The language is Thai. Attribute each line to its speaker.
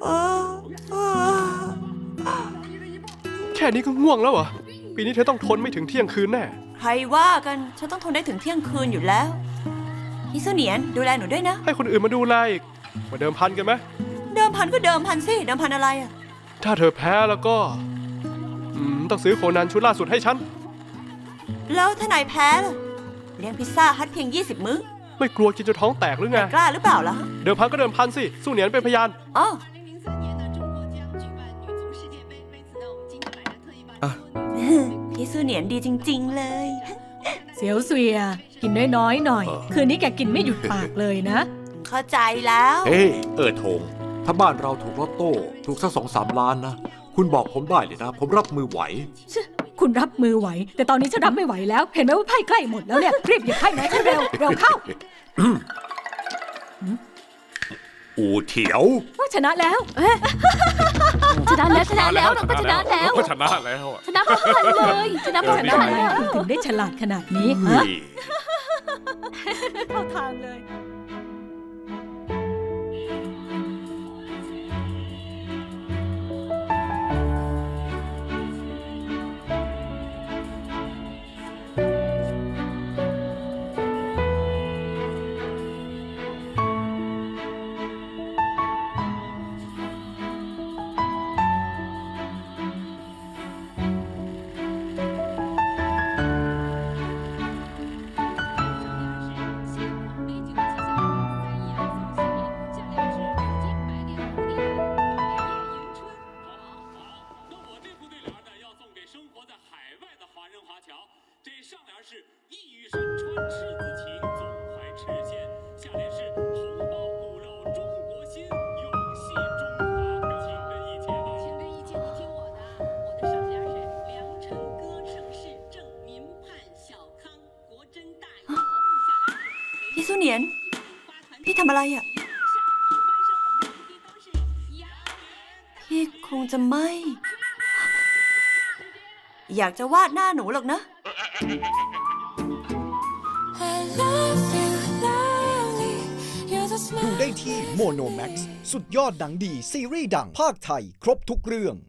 Speaker 1: แค่นี้ก็ง่วงแล้วเหรอปีนี้เธอต้องทนไม่ถึงเที่ยงคืนแน่
Speaker 2: ใครว่ากันฉันต้องทนได้ถึงเที่ยงคืนอยู่แล้วฮิซุเนียนดูแลหนูด้วยนะ
Speaker 1: ให้คนอื่นมาดูแลอีกมาเดิมพันกันไหม
Speaker 2: เดิมพันก็เดิมพันสิเดิมพันอะไรอะ
Speaker 1: ถ้าเธอแพ้แล้วก็ต้องซื้อโคนันชุดล่าสุดให้ฉัน
Speaker 2: แล้วถ้านายแพ้ล่ะเลี้ยงพิซซ่าฮัทเพียง20 มื้อ
Speaker 1: ไม่กลัวกินจนท้องแตกหรือไง
Speaker 2: กล้าหรือเปล่าล่ะ
Speaker 1: เดิมพันก็เดิมพันสิสู้เหนียนเป็นพยาน
Speaker 2: อ๋อฮิซุเนียนดีจริงๆเลย
Speaker 3: เสียวเสวียกินน้อยๆหน่อย คืนนี้แกกินไม่หยุดปากเลยนะ
Speaker 2: เข้าใจแล้ว
Speaker 4: เฮ้ธงถ้าบ้านเราถูกลอตโต้ถูกสัก2-3 ล้านนะคุณบอกผมได้เลยนะผมรับมือไหว
Speaker 3: คุณรับมือไหวแต่ตอนนี้ฉันรับไม่ไหวแล้วเห็นไหมว่าไพ่ใกล้หมดแล้วเนี่ยรีบหยิบไพ่ไหนให้เร็วเข้า
Speaker 4: อูเถียว
Speaker 3: ชนะแล้ว
Speaker 5: ชนะแล้วเราก็ชนะแล้ว
Speaker 1: ชนะแล้ว
Speaker 5: ชนะพร้อมกันเลยชนะพร้อมกันแล้ว
Speaker 3: ถึงได้ฉลาดขนาดนี้ฮะเข้าทางเลย
Speaker 2: ฮิซุเนียนพี่ทำอะไรอ่ะพี่คงจะไม่อยากจะวาดหน้าหนูหรอกนะ
Speaker 6: ดูได้ที่โมโนแม็กซ์สุดยอดหนังดีซีรีส์ดังภาคไทยครบทุกเรื่อง